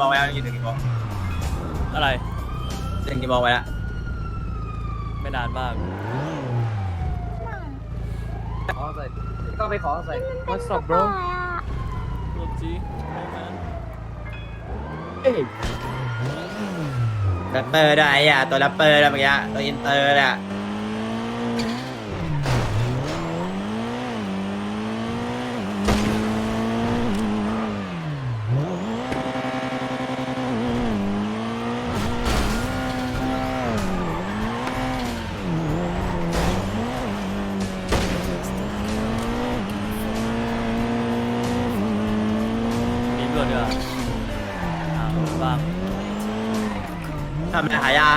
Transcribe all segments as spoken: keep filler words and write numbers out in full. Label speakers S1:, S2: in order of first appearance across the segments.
S1: โมงแล้วยืนถึงกี่โมง
S2: อะไร
S1: ถึงกี่โมงไปแล้ว
S2: ไม่นานมาก
S3: ขอใส่ก็ไปขอใส่
S4: What's up bro
S2: รถจีโอ้แมน
S1: แรปเปอร์ด้วยไอ้อะตัวแรปเปอร์ด้วยเมื่อกี้ตัวอินเตอร์เนี่ย
S2: มีเพื่อนด้วยหาบ้าง
S1: ทำอะไรหายา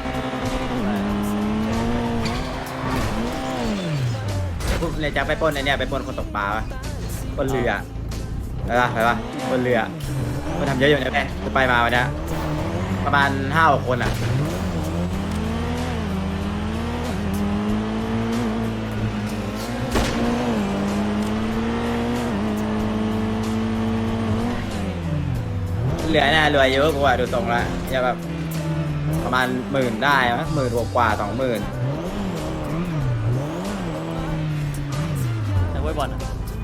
S1: พวกเลยจะไปปล้นไอเนี่ยไปปล้นคนตกปลาปะปล้นเรือไปปะไปปะปล้นเรือมันทำเยอะอยู่นะแม่กูไปมาวันเนี้ยประมาณห้าหกคนอ่ะเหลือน่ะรวยเยอะกูอ่ะดูตรงละอย่าแบบประมาณหมื่นได้มั้ยหมื่นกว่าสองหมื่น
S2: แต่ไว้บอลอะ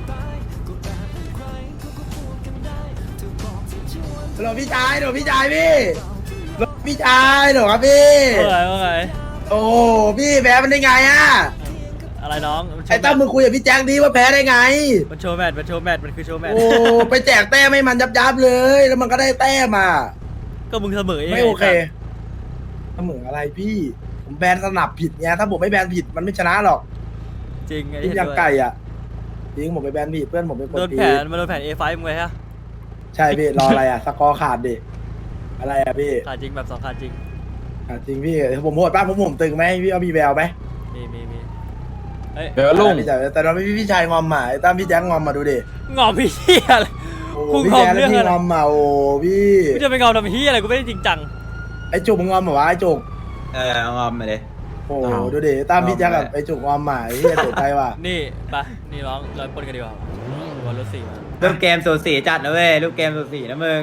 S5: หลวพี่ชายหลวพี่ชายพี่หลวพี่ชายหลวครับพี่
S2: ว่าไงว่าไง
S5: โอ้พี่แพ้มันได้ไงอ่ะ
S2: อะไรน้องมันโช
S5: ไอ้
S2: ว์แม
S5: ตั้ม
S2: ตช์
S5: มึงคุยกับพี่แจ็คดีว่าแพ้ได้ไง
S2: มันโชว์แมตช์มันโชว์แมตช์มันคือโชว์แมตช์
S5: โอ้ไปแจกแต้มให้มันยับยับๆเลยแล้วมันก็ได้แต้มมา
S2: ก็มึงเสมอเอง
S5: ไม่โอเคเสมออะไรพี่ผมแบนสนับผิดไงถ้าผมไม่แบนผิดมันไม่ชนะหรอก
S2: จริงไอ้
S5: พี่
S2: เหี้
S5: ยังไก่อ่ะจริงผมไปแบนผิดเพื่อนผมเป็นคน
S2: โดน
S5: ผิ
S2: แผ
S5: ด
S2: นมันโดนแผน เอ ไฟว์ มึงไว้ฮะ
S5: ใช่พี่รออะไรอ่ะสกอร์ขาดดิอะไรอ่ะพี่
S2: ขาดจริงแบบสองขาดจริง
S5: ขาดจริงพี่ผมโหดป้าผมผมตึงไหมพี่เอามีแววไหม
S2: มีมีมีเฮ้ย
S4: เดี๋ยวลุง
S5: แต่แต่เราไม่พี่พี่ชายงอมหมาไอ้ตั้มพี่แจ็คงอมมาดูดิ
S2: งอมพี่เหี้ยอะไร
S5: โอ้
S2: กู
S5: พี่
S2: งอม
S5: แจ๊ค
S2: เรื่อง
S5: พี่
S2: อะไร
S5: งอมมาโอ้พี่
S2: กูจะไปงอมทำเหี้ยอะไรกูไม่ได้จริงจัง
S5: ไอ้จุกมึงงอมเหรอวะไอ้จุก
S1: เออเอางอมมาเลย
S5: โอ้ดูดิตามพี่แจ๊คกับไอ้จุกงอมหมาไอ้เหี้ยเสียใจว่ะ
S2: นี่ไปนี่ร้องร้อยปนกันดีกว่าวันรถสี่มา
S1: ลูกเกมสูสีจัดนะเว้ยลูกเกมสูสีนะมึง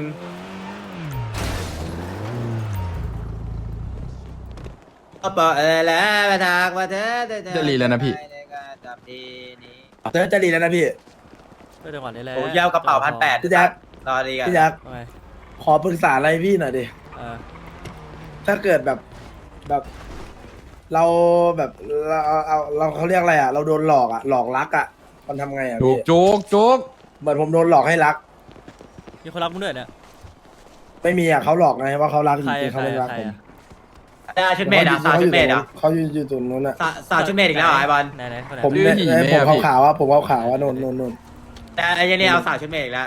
S1: ก็บอกเออแล้วมาทักว่าเธอ
S4: จะรีแล้วนะพี่
S1: จับดีนี้
S5: เธอจะดีแล้วนะพี่
S2: ก็จังหวะนี้แหละ
S1: โอ้ยาวกระเป๋าพันแปด
S5: พี่แจ๊ค
S1: รอดีกัน
S5: พี่แจ๊ค
S2: ว่าไง
S5: ขอปรึกษาอะไรพี่หน่อยดิ
S2: เออ
S5: ถ้าเกิดแบบแบบ เราแบบเราเอาเราเขาเรียกอะไรอ่ะ เราโดนหลอกอ่ะหลอกรักอ่ะมันทำไงอ่ะ
S4: จุ
S5: พี่
S4: กจุกจุก
S5: เหมือนผมโดนหลอกให้รัก
S2: มีคนรักมึงด้วยเนี่ย
S5: ไม่มีอ่ะเขาหลอกไงว่าเขารักจ
S2: ใคร
S5: ริงๆ
S2: ใค
S5: เขา
S2: ร
S5: ไม่รัก
S2: ใคร
S5: ผม
S2: อะ
S1: ได้ชุดเมดอ่ะสาวชุดเมดอ่ะ
S5: เขาอยู่อยู่ตรงนู้นอ่ะ
S1: สาวสาวชุดเมดอีกแล้วเหรอไอ้บอล
S2: ไหนไหนคนไหน
S5: ผมเนี่ยไอ้ผมขาวๆอ่ะผมขาวๆอ่ะนนนนนน
S1: แต่ไอ้เนี่ยเอาสาวชุดเมดอีกแล้ว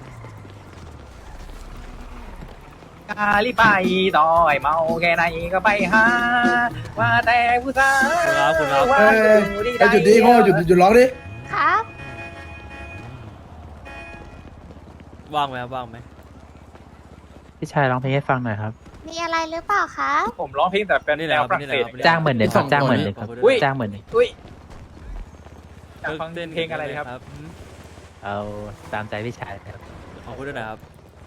S3: กาลิไปต่อยเมาแค่ไหนก็ไปหาว่าแต่ผู้สาว
S2: คุณครับคุณครับ
S3: ว่า
S5: เออ
S3: อยู่ที่
S5: ไอ้จุดนี้พ่อหยุดหยุดร้องดิ
S6: ครับ
S2: ว่างไหมครับว่างไหม
S7: พี่ชายร้องเพลงให้ฟังหน่อยครับ
S6: มีอะไรหรือเปล่าครับ
S3: ผมร้องเพลงแต่เป็น
S2: นี่แห
S3: แน
S2: ละ
S3: ว
S2: ครับ
S3: ฝรั่ง
S2: นี่แห
S3: เศ
S2: ละ
S3: ส
S2: ครับ
S7: จ้างหมื่นหนึ่งครับจ้างหมื่นหนึ่งครับ
S2: อุ้ย
S7: จ้างหมื่นหนึ่ง
S3: อุ้ยอยากฟังเพลงอะไรครับ
S2: อืม
S7: เอาตามใจพี่ชายครับ
S2: ขอบคุณด้วยนะครับ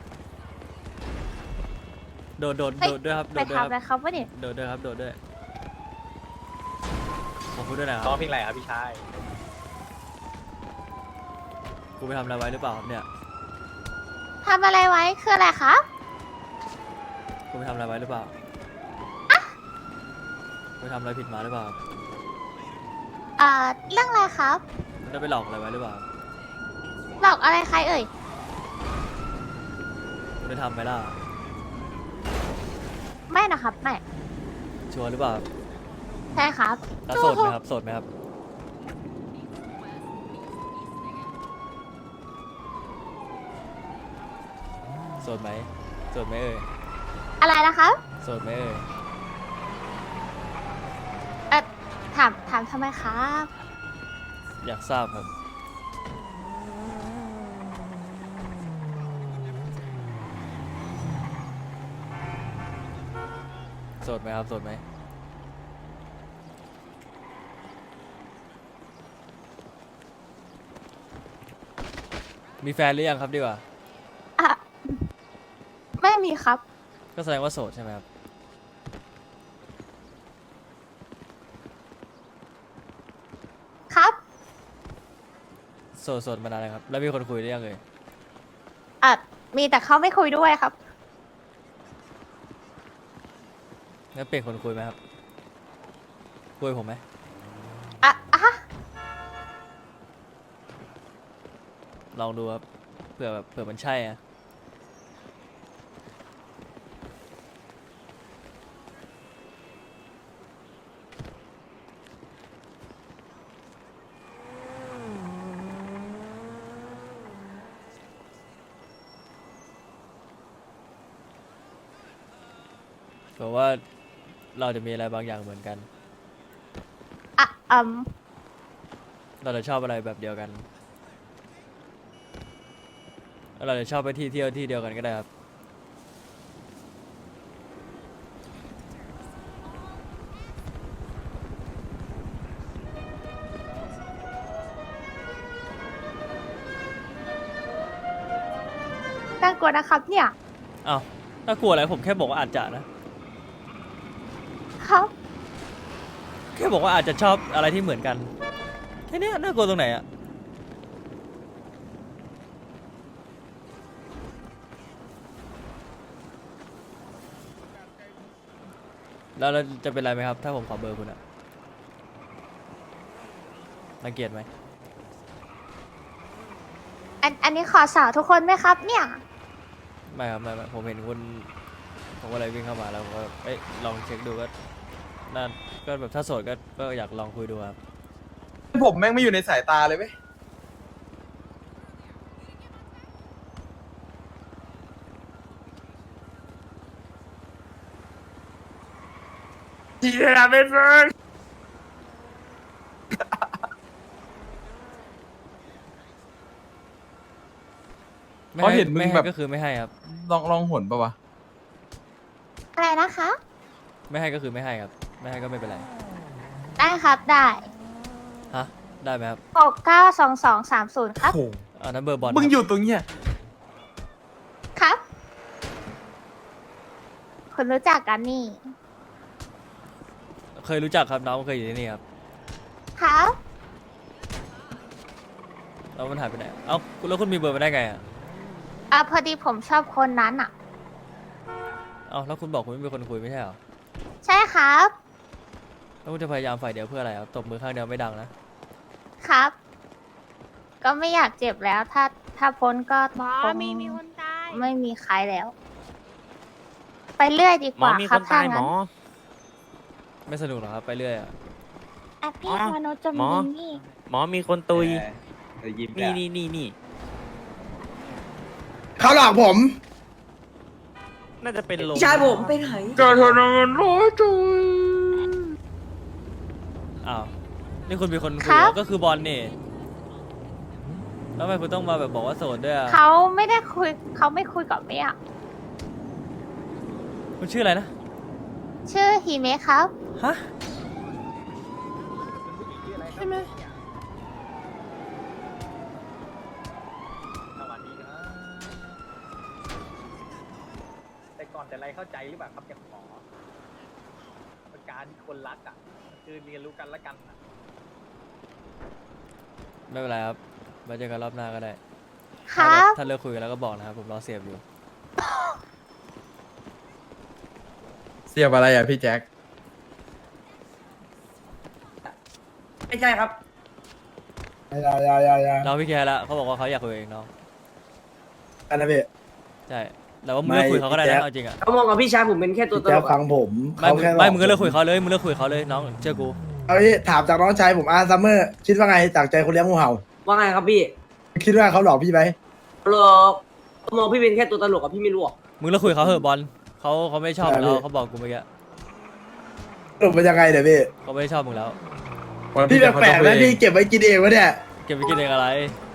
S2: โดดโดด
S6: เฮ้ย
S2: โดดด้วยครับ
S6: ไป
S2: โดดด้วย
S6: ทำ
S2: ค
S6: อะไร
S2: รับ
S6: ครับวะเนี่ย
S2: โดดด้วยครับโดดด้วยขอบคุณด้วยนะค
S3: ร้อ
S2: รั
S3: ง
S2: บ
S3: เพลงอะไรครับพี่ชาย
S2: กูไปทำอะไรไว้หรือเปล่าครับเนี่ย
S6: ทำอะไรไว้คืออะไรครับ
S2: กูไปทำอะไรไว้หรือเปล่ากูไปทำอะไรผิดมาหรือเปล่า
S6: เอ่อ เรื่องอะไรครับ
S2: มึงได้ไปหลอกอะไรไว้หรือเปล่า
S6: หลอกอะไรใครเอ่ย
S2: มึงได้ทำไหมล่ะ
S6: ไม่นะครับ ไม่
S2: ชัวร์หรือเปล่า
S6: ใช่ครับ
S2: แล้วโสดไหมครับโสดไหมครับโสดไหมโสดไหมเอ่ย
S6: อะไรนะครับ
S2: โสดไหมเอ่ย
S6: เอ่อ ถาม ถามทำไมครับ
S2: อยากทราบครับโสดไหมครับโสดไหมมีแฟนหรือยังครับดีกว่า
S6: อ่ะ ไม่มีครับ
S2: ก็แสดงว่าโสดใช่ไหมครับ
S6: ครับ
S2: โสดโสดมานานเลยครับ แล้วมีคนคุยหรือยังเอ่ย
S6: อ่ะมีแต่เขาไม่คุยด้วยครับ
S2: งั้นเปลี่ยนคนคุยไหมครับ คุยผมไหม
S6: อ่ะอ่ะฮะ
S2: ลองดูครับ เผื่อแบบเผื่อมันใช่อะ เผื่อว่าเราจะมีอะไรบางอย่างเหมือนกัน
S6: อ่ะอืม
S2: เราจะชอบอะไรแบบเดียวกัน เราจะชอบไปที่เที่ยวที่เดียวกันก็ได้ครับ
S6: น่ากลัวนะครับเนี่ย
S2: อ้าวน่ากลัวอะไรผมแค่บอกว่าอาจจะนะ
S6: ครับ
S2: แค่บอกว่าอาจจะชอบอะไรที่เหมือนกัน แค่เนี้ยน่ากลัวตรงไหนอะแล้วเราจะเป็นไรไหมครับ ถ้าผมขอเบอร์คุณอะรังเกียจไหม
S6: อันอันนี้ขอสาวทุกคนไหมครับ เนี่ย
S2: ไม่ครับไม่ไม่ผมเห็นคุณผมก็เลยวิ่งเข้ามาแล้วผมก็เอ้ยลองเช็คดูก็นั่นก็แบบถ้าโสดก็ก็อยากลองคุยดูครับ
S8: ผมแม่งไม่อยู่ในสายตาเลยเว้ยทีละเป็นเฟิร์
S2: ไม่
S4: เพราะ
S2: ให้
S4: เห็นมึง
S2: ไม่ให้
S4: แบบ
S2: ก็คือไม่ให้ครับ
S4: ลองลองหนปะวะ
S6: อะไรนะคะ
S2: ไม่ให้ก็คือไม่ให้ครับ ไม่ให้ก็ไม่เป็นไร
S6: ได้ครับ ได้
S2: ฮะได้ไหมครับ
S6: หกเก้าสองสองสามศูนย์ครับ
S2: อันนั้นเบอร์บอล
S8: มึง
S2: ครับ
S8: อยู่ตรงเนี้ย
S6: ครับ คุณรู้จักกันนี่
S2: เคยรู้จักครับน้องเคยอยู่ที่นี่ครับ
S6: ครับ
S2: แล้วมันหายไปไหนเอ้าแล้วคุณมีเบอร์มาได้ไงอ่ะ
S6: อ่ะพอดีผมชอบคนนั้นอ่ะ
S2: เอ้าแล้วคุณบอกคุณไม่มีคนคุยไม่ใช่เหรอ
S6: ใช่ครับ
S2: แล้วคุณจะพยายามฝ่ายเดียวเพื่ออะไรครับตบมือข้างเดียวไม่ดังนะครับ
S6: ก็ไม่อยากเจ็บแล้ว ถ้าถ้าพ้นก็
S9: หมอ
S6: คง
S9: มีมีคนตาย
S6: ไม่มีใครแล้ว ไปเรื่อยดีกว่าครับถ้างั้น
S2: ไม่สนุกหรอครับไปเรื่อยอ่ะ
S6: อ่ะพี่
S9: หมอ
S6: มนุษย์จะ
S9: หม
S6: มี
S9: อ
S6: นี่
S9: หมอมีคนตุย
S3: ยิ้ม
S9: นี่นี่นี่นี่
S5: เขาหลอกผม
S9: น่าจะเป็นลม
S10: ชายผมไปไหน
S4: ก็เท่านั้นร้อยจุย
S2: อ้าวนี่คุณมีคนคุย
S6: ครั
S2: เหร
S6: บ
S2: อก็คือบอลนี่แล้วทำไมคุณต้องมาแบบบอกว่าโสดด้วยอ่ะ
S6: เขาไม่ได้คุยเขาไม่คุยกับเมีย
S2: คุณชื่ออะไรนะ
S6: ชื่อฮิเมะครับ
S2: ฮะ
S6: ใช่ไหม
S3: สวัสดีครับแต่ก่อนแต่ไรเข้าใจหรือเปล่าครับอย่างหมอเป็นการที่คนรักอ่ะคือเรียนรู้กันและกันอะ
S2: ไม่เป็นไรครับมาเจอกันรอบหน้าก็ได้
S6: ค
S2: ถ้า
S6: รั
S2: แบบ
S6: บ
S2: ถ้าเลิกคุยกันแล้วก็บอกนะครับผมรอเสียบอยู่
S4: เสียบอะไรอ่ะพี่แจ็ค
S10: ไม่ใช่ครับ
S5: อย่าอย่าอย่าอย่า
S2: น้องพี่แคร์ละเขาบอกว่าเขาอยากคุยเองน้อง
S5: อันนั้นพี่
S2: ใช่แต่ว่ามึงเลิกคุยเขาก็ได้
S5: ไม่
S2: นะเอาจริงอ่ะ
S10: เขามองกับพี่ชายผมเป็นแค่ตัว
S5: พี่
S10: ต
S5: แจ๊
S10: ล
S5: ค
S10: ก
S5: ฟั
S10: อะ
S5: งผม
S2: ไม่
S5: เขา
S2: มึง
S5: แค่หล
S2: ไม่มึงก็เลิกคุยเขาเลยมึงเลิกคุยเขาเลยน้องเชื่อกู
S5: เอาพี่ถามจากน้องชายผมอาซัมเมอร์คิดว่าไงจากใจคนเลี้ยงงูเห่า
S10: ว่าไงครับพี่
S5: คิดว่าเขาหลอกพี่ไหม
S10: หลอกเขามองพี่เป็นแค่ตัวตลกอะพี่ไม่รู้หรอก
S2: มึงเลิกคุยเขาเหอะบอลเขาเขาไม่ชอบมึงแล้วเขาบอกกูเมื่อกี้
S5: สรุปเป็นยังไงเดี๋ยวพี่
S2: เขาไม่ชอบมึงแล้ว
S5: พี่แปลกๆนะพี่เก็บไว้กินเองวะเนี่ย
S2: เก็บไปกินเองอะไร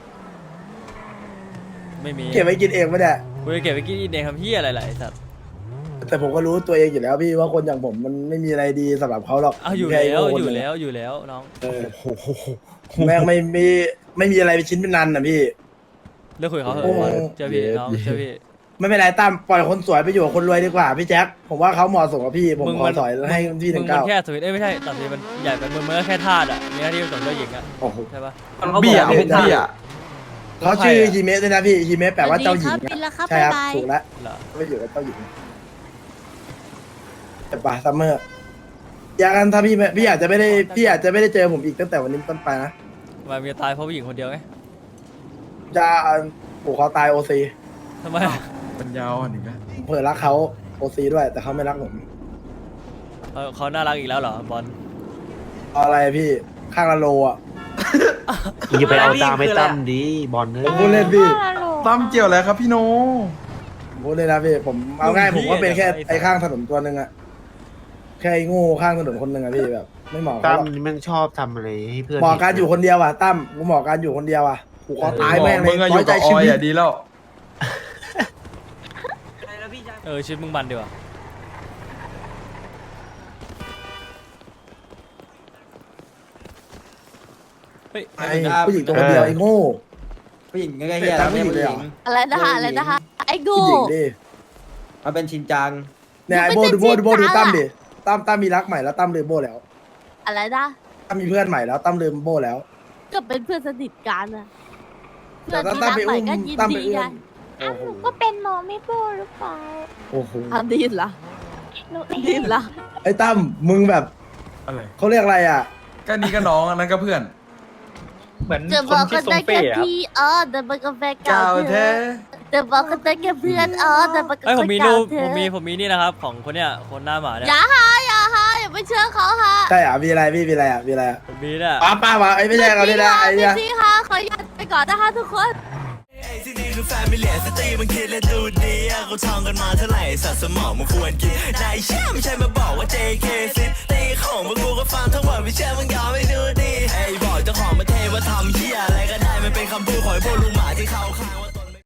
S2: ไม่มี
S5: เก็บไว้กินเองวะเนี่ย
S2: กูจะเก็บไปกินเองทำเฮียอะไรล่ะไอ้สัตว์
S5: แต่ผมก็รู้ตัวเองอยู่แล้วพี่ว่าคนอย่างผมมันไม่มีอะไรดีสำหรับเขาหรอก
S2: เอาอยู่
S5: ค่
S2: แล้ว
S5: โง่คน
S2: อยู่
S5: หนึ่ง
S2: แล้วอยู่แล้วน้อง
S5: เออแม่งไม่มีไม่มีอะไรเป็นชิ้นเป็นนันนะพี่
S2: เลิกคุยเขาเหอะ
S5: โอ้
S2: บอลเชื่อพี่
S4: เย็ด
S2: น้อง
S4: เย็ด
S2: เชื่อพี่
S5: ไม่เป็นไรตั้มปล่อยคนสวยไปอยู่กับคนรวยดีกว่าพี่แจ็คผมว่าเขาเหมาะสมกับพี่ผม
S2: มึง
S5: ขอ
S2: มัน
S5: ถอยให้พี่ห
S2: มึ
S5: นึ่
S2: ง
S5: ง
S2: มัน
S5: เก้า
S2: แค่สวิตเอ้ยไม่ใช่ตัดสินมันใหญ่ไปมึงมันก็แค่ธาตุอ่ะมีหน้าที่ผสมเจ้าหญิงอ่ะ
S5: โอ้โห
S2: ใช่ปะ
S10: มันเขาบอ
S4: เบี้
S10: ก
S4: ย
S10: ว่า
S4: พว
S10: เป็
S4: ก
S10: นท่า
S4: เบี้ย
S5: เขาชื่อฮิเมะด้วยนะพี่ฮิเมะแปลว่าเจ้าหญิง
S6: สวัสดีครับบินแล้วครับ
S5: ใช่ครับ
S6: บ๊ายบาย
S5: ถูกแล้ว
S2: เหรอ
S5: ไม่อยู่กับเจ้าหญิงแต่ป่าซัมเมอร์อยากกันถ้าพี่ไม่พี่อาจจะไม่ได้พี่อาจจะไม่ได้เจอผมอีกตั้งแต่วันนี้เป็นต้นไปนะ
S2: ทำไมมีตายเพราะผู้หญิงคนเดียวไง
S5: จะผูกคอตายโอซี
S2: ทำไม
S4: ปัญญาอ่อนอีกแล้ว
S5: เผื่อรักเขาโอซีด้วย แต่เขาไม่รักผม
S2: เขาเขาน่ารักอีกแล้วเหรอบอล
S5: เอาอะไรพี่ข้างละโลอ่ะ
S11: อย่าไปเอาตามไม่ตั้มดีบอลเน
S5: ผมพูดเล่นพี่
S4: ตั้มเกี่ยวอะไรครับพี่โน
S5: ผมพูดเล่นนะพี่ผมเอาง่ายผมก็เป็นแค่ไอ้ข้างถนนตัวหนึ่งอะแค่ไอ้โงูข้างถนนคนหนึ่งอะพี่แบบ ไม่เหมาะกับ
S11: ตั้
S5: เขา
S11: ม
S5: หรอก
S11: นี่มันชอบทำอะไรให้เพื่อน
S5: เหมาะการอยู่คนเดียวอ่ะตั้มกูเหมาะการอยู่คนเดียวอ่ะผูกคอตายแม่งเล
S4: มึ
S5: ย
S4: งอะอ
S5: น้อยู่ ยใจ
S4: กับอ
S5: ชี
S4: อย
S5: วิต
S4: อ่ะดีแล้ว
S10: อะไรนะพี่ชาย
S2: เออชีวิตมึงมันดีว่ะเฮ้ย
S5: ไอ้ผู้หญิงตัวคนเดียวไอ้โง่
S1: ผู้หญิงก็แค่เฮียแล้วไม่ใช่ผู้หญิง
S6: อะไรนะคะอะไรนะคะไอ้กู
S5: ผู้หญิงดิ
S1: มันเป็นชินจัง
S5: เนี่ยไอ้โบดูโบดูโบดูตั้มดิตั้มตั้มมีรักใหม่แล้วตั้มลืมโบแล้ว
S6: อะไรนะ
S5: ตั้มมีเพื่อนใหม่แล้วตั้มลืมโบแล้ว
S6: ก็เป็นเพื่อนสนิทกันอะเพื่
S5: แต่
S6: อน
S5: ถ้า
S6: ที่
S5: ตั้ม
S6: รัก
S5: ไป
S6: ใหม่
S5: อุ้ม
S6: ก็ยิน
S5: ตั้มไป
S6: ดี
S5: อุ้
S6: ไง
S5: มโอ้โห
S6: ก็เป็นหมอไม่โบหรือเปล่า
S5: โอ้โห
S6: ทำดีเหรอดีเหรอ
S5: ไอ้ตั้มมึงแบบ
S4: อะไร
S5: เขาเรียกอะไรอ่ะ
S4: ก็นี่ก็น้องอันนั้นก็เพื่อน
S3: เหมือน
S6: จะ
S3: ค
S6: บ
S3: น
S6: อก
S3: ที่
S6: กัน
S3: ทร
S6: ได้
S3: งเป้
S6: แค่
S3: อะครับ
S6: พี่เออแต่มันก็แฟนเก่า
S4: เก่า
S6: เธ
S4: แท้
S6: อจะบอกกันได้แค่เพื่อนเออแต่มันก็
S2: เอ้ยผมมี
S6: แฟน
S2: รู
S6: เก่า
S2: ป
S6: เธ
S2: ผ
S6: อ
S2: มมีผมมีนี่นะครับ ของคนเนี้ยคนหน้าหมาเนี่ย
S6: อย่าฮะอย่าฮะอย่าไปเชื่อเขาฮะ
S5: ใช่อ่ะมีอะไรพี่มีอะไรอ่ะมีอะไรอ่ะ
S2: ผมมีเนี่ย
S5: ป้าป้าวะไอ้ไม่ใช่เราเนี่ยนะไอ้เนี่ย
S6: พี่ฮะขออนุญาตไปก่อนนะคะทุกคน
S12: ที่นี่คือแฟมิเลียสตรีมันคิดและดูดีอะเขาท่องกันมาเท่าไหร่สัตว์สมองมันควรกินนายเชื่อไม่ใช่มาบอกว่า เจ เค ซิตีของพวกกูก็ฟังทั้งหมดไม่เชื่อมึงยอมไม่ดูดีไอ้บอกเจ้าของประเทศว่าทำเหี้ยอะไรก็ได้มันเป็นคำพูดของไอ้พวกลุงหมาที่เขาข้าง